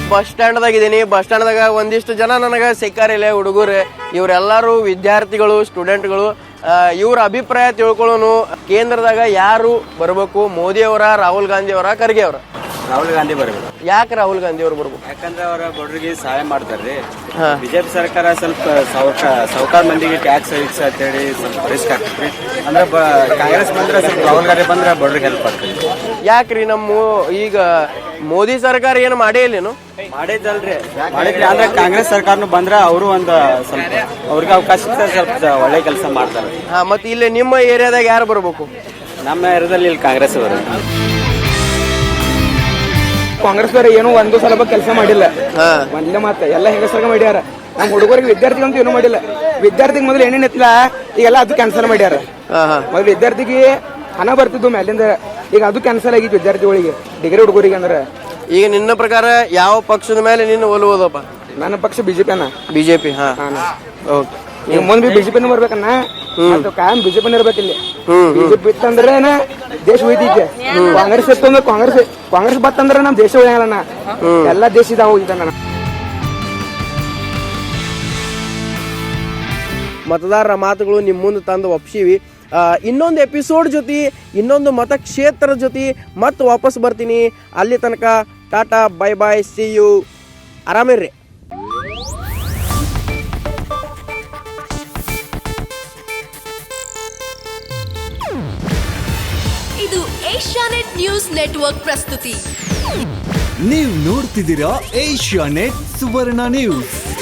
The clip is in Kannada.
ಬಸ್ ಸ್ಟ್ಯಾಂಡ್ದಾಗ ಇದೀನಿ. ಬಸ್ ಸ್ಟ್ಯಾಂಡ್ದಾಗ ಒಂದಿಷ್ಟು ಜನ ನನಗೆ ಸಿಕ್ಕಾರಿಲ್ಲ ಹುಡುಗರು. ಇವರೆಲ್ಲರೂ ವಿದ್ಯಾರ್ಥಿಗಳು, ಸ್ಟೂಡೆಂಟ್ಗಳು. ಇವ್ರ ಅಭಿಪ್ರಾಯ ತಿಳ್ಕೊಳ್ಳೋನು. ಕೇಂದ್ರದಾಗ ಯಾರು ಬರಬೇಕು, ಮೋದಿ ಅವರ, ರಾಹುಲ್ ಗಾಂಧಿ ಅವರ, ಖರ್ಗೆ ಅವರ? ರಾಹುಲ್ ಗಾಂಧಿ ಬರಬೇಕು. ಯಾಕೆ ರಾಹುಲ್ ಗಾಂಧಿ ಅವ್ರು ಬರ್ಬೇಕು? ಯಾಕಂದ್ರೆ ಅವರ ಬಡವರಿಗೆ ಸಹಾಯ ಮಾಡ್ತಾರ್ರಿ. ಬಿಜೆಪಿ ಸರ್ಕಾರ ಸ್ವಲ್ಪ ಸಾವುಕಾರ ಮಂದಿಗೆ ಟ್ಯಾಕ್ಸ್ ಗಿಕ್ಸ್ ಅಂತೇಳಿ ಸ್ವಲ್ಪ ರಿಸ್ಕ್ ಆಗ್ತೈತಿ. ಅಂದ್ರೆ ಕಾಂಗ್ರೆಸ್ ಬಂದ್ರೆ ಸ್ವಲ್ಪ ರಾಹುಲ್ ಗಾಂಧಿ ಬಂದ್ರೆ ಬಡವರಿಗೆ ಹೆಲ್ಪ್ ಆಗ್ತದೆ. ಯಾಕ್ರಿ ನಮ್ಮ ಈಗ ಮೋದಿ ಸರ್ಕಾರ ಏನು ಮಾಡೇ ಇಲ್ಲೇನು? ಮಾಡಿದ್ರಿ ಅಂದ್ರೆ ಕಾಂಗ್ರೆಸ್ ಸರ್ಕಾರನು ಬಂದ್ರೆ ಅವರು ಒಂದು ಸ್ವಲ್ಪ ಅವ್ರಿಗೆ ಅವಕಾಶ ಸ್ವಲ್ಪ ಒಳ್ಳೆ ಕೆಲಸ ಮಾಡ್ತಾರೆ. ಮತ್ತೆ ಇಲ್ಲಿ ನಿಮ್ಮ ಏರಿಯಾದಾಗ ಯಾರು ಬರ್ಬೇಕು? ನಮ್ಮ ಏರಿಯಾದಲ್ಲಿ ಇಲ್ಲಿ ಕಾಂಗ್ರೆಸ್ ಅವರು. ಕಾಂಗ್ರೆಸ್ ಏನು ಒಂದು ಸಲ ಕೆಲಸ ಮಾಡಿಲ್ಲ. ಒಂದೇ ಮಾತ್ರ ಎಲ್ಲ ಹೆಂಗಸರ್ಗ ಮಾಡ್ಯಾರ. ನಮ್ಮ ಹುಡುಗರಿಗೆ ವಿದ್ಯಾರ್ಥಿಗಂತೂ ಏನು ಮಾಡಿಲ್ಲ. ವಿದ್ಯಾರ್ಥಿಗೆ ಮೊದಲು ಏನೇನು ಇತ್ತಲ್ಲ ಈಗೆಲ್ಲ ಅದು ಕ್ಯಾನ್ಸಲ್ ಮಾಡ್ಯಾರ. ಮೊದಲು ವಿದ್ಯಾರ್ಥಿಗೆ ಹಣ ಬರ್ತಿದ್ದು ಮೇಲಿಂದ, ಈಗ ಅದು ಕ್ಯಾನ್ಸಲ್ ಆಗಿತ್ತು ವಿದ್ಯಾರ್ಥಿಗಳಿಗೆ, ಡಿಗ್ರಿ ಹುಡುಗರಿಗೆ. ಅಂದ್ರೆ ಈಗ ನಿನ್ನ ಪ್ರಕಾರ ಯಾವ ಪಕ್ಷದ ಮೇಲೆ ನಿನ್ನ ಒಲುವುದಪ್ಪ? ನನ್ನ ಪಕ್ಷ ಬಿಜೆಪಿ ಅನ್ನ. ಬಿಜೆಪಿ. ಓಕೆ. ಈಗ ಮುಂದೆ ಬಿಜೆಪಿನ ಬರ್ಬೇಕನ್ನ, ಕಾಯಂ ಬಿಜೆಪಿನ ಇರ್ಬೇಕಿಲ್ಲಿ. ಬಿಜೆಪಿ ಇತ್ತಂದ್ರೆ ದೇಶ ಉಳಿತೈತೆ. ಕಾಂಗ್ರೆಸ್ ಇತ್ತಂದ್ರೆ ಕಾಂಗ್ರೆಸ್ ಬತ್ತಂದ್ರೆ ನಮ್ ದೇಶ ಉಳಿಯಲ್ಲ. ಎಲ್ಲಾ ದೇಶ ಇದಾವ ಹೋಗಿದ್ದಾನ. ಮತದಾರರ ಮಾತುಗಳು ನಿಮ್ಮ ಮುಂದೆ ತಂದು ಒಪ್ಸಿವಿ. ಇನ್ನೊಂದು ಎಪಿಸೋಡ್ ಜೊತೆ, ಇನ್ನೊಂದು ಮತಕ್ಷೇತ್ರದ ಜೊತೆ ಮತ್ತೆ ವಾಪಸ್ ಬರ್ತೀನಿ. ಅಲ್ಲಿ ತನಕ tata, bye bye, see you. ಆರಾಮಿರ್ರಿ. ಇದು ಏಷ್ಯಾನೆಟ್ ನ್ಯೂಸ್ ನೆಟ್ವರ್ಕ್ ಪ್ರಸ್ತುತಿ. ನೀವು ನೋಡ್ತಿದ್ದೀರಾ ಏಷ್ಯಾನೆಟ್ ಸುವರ್ಣ ನ್ಯೂಸ್.